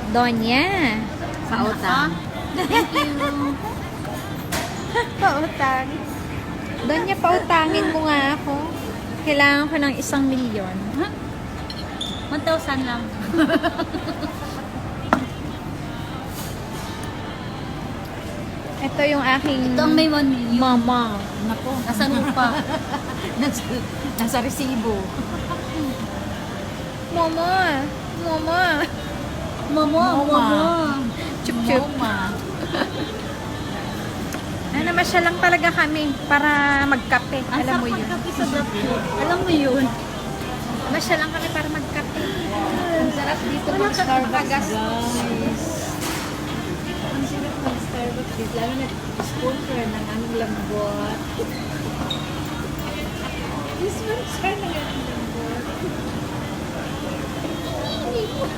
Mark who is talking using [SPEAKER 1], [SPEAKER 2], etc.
[SPEAKER 1] Donya.
[SPEAKER 2] Pautang. Thank you.
[SPEAKER 1] Pautang. Donya, pautangin mo nga ako. Kailangan ko ng 1,000,000.
[SPEAKER 2] 1,000 lang.
[SPEAKER 1] Ito yung aking
[SPEAKER 2] Ito ang may 1 million.
[SPEAKER 1] mama.
[SPEAKER 2] Nako, nasa lupa.
[SPEAKER 3] Nasa resibo.
[SPEAKER 1] Mama. Mama.
[SPEAKER 2] Mama, mama.
[SPEAKER 1] Chup-chup.
[SPEAKER 3] Mama.
[SPEAKER 1] Namasyal lang talaga kami para magkape.
[SPEAKER 2] Ang
[SPEAKER 1] Alam mo
[SPEAKER 2] sarap
[SPEAKER 1] yun.
[SPEAKER 2] magkape sa Dapsut. Alam mo yun.
[SPEAKER 1] Namasyal lang kami para magkape. Ang sarap dito mag Starbucks, guys.
[SPEAKER 3] Ang sarap ng Starbucks dito. Lalo na sponsor ng aming lambot. Sponsor ng aming lambot.